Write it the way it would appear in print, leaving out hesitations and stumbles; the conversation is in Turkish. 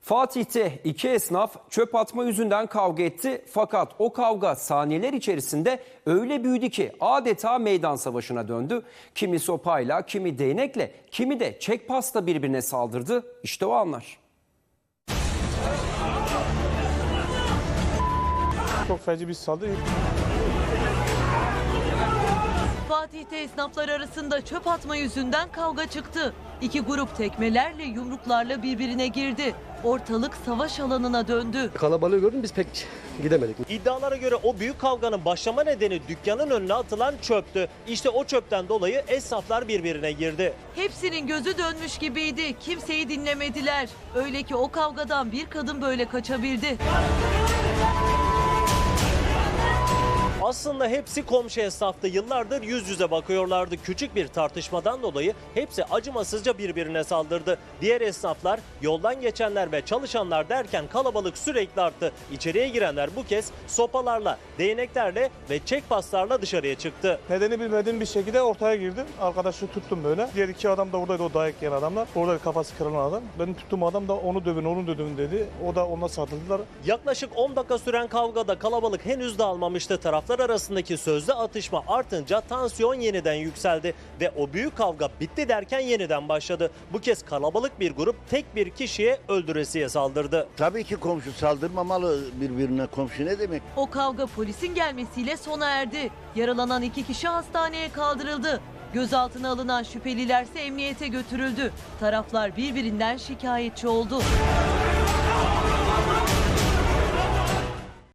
Fatih'te iki esnaf çöp atma yüzünden kavga etti. Fakat o kavga saniyeler içerisinde öyle büyüdü ki adeta meydan savaşına döndü. Kimi sopayla, kimi değnekle, kimi de çek pasta birbirine saldırdı. İşte o anlar. Çok feci bir saldırı. Fatih'te esnaflar arasında çöp atma yüzünden kavga çıktı. İki grup tekmelerle, yumruklarla birbirine girdi. Ortalık savaş alanına döndü. Kalabalığı gördüm, biz pek gidemedik. İddialara göre o büyük kavganın başlama nedeni dükkanın önüne atılan çöptü. İşte o çöpten dolayı esnaflar birbirine girdi. Hepsinin gözü dönmüş gibiydi. Kimseyi dinlemediler. Öyle ki o kavgadan bir kadın böyle kaçabildi. Aslında hepsi komşu esnaftı. Yıllardır yüz yüze bakıyorlardı. Küçük bir tartışmadan dolayı hepsi acımasızca birbirine saldırdı. Diğer esnaflar, yoldan geçenler ve çalışanlar derken kalabalık sürekli arttı. İçeriye girenler bu kez sopalarla, değneklerle ve çek paslarla dışarıya çıktı. Nedeni bilmediğim bir şekilde ortaya girdim. Arkadaşı tuttum böyle. Diğer iki adam da oradaydı, o dayak yiyen adamlar. Orada kafası kırılan adam. Benim tuttuğum adam da onu dövün, onu dövün dedi. O da ona saldırdılar. Yaklaşık 10 dakika süren kavgada kalabalık henüz dağılmamıştı. Taraflar arasındaki sözlü atışma artınca tansiyon yeniden yükseldi ve o büyük kavga bitti derken yeniden başladı. Bu kez kalabalık bir grup tek bir kişiye öldüresiye saldırdı. Tabii ki komşu saldırmamalı birbirine. Komşu ne demek? O kavga polisin gelmesiyle sona erdi. Yaralanan iki kişi hastaneye kaldırıldı. Gözaltına alınan şüphelilerse emniyete götürüldü. Taraflar birbirinden şikayetçi oldu.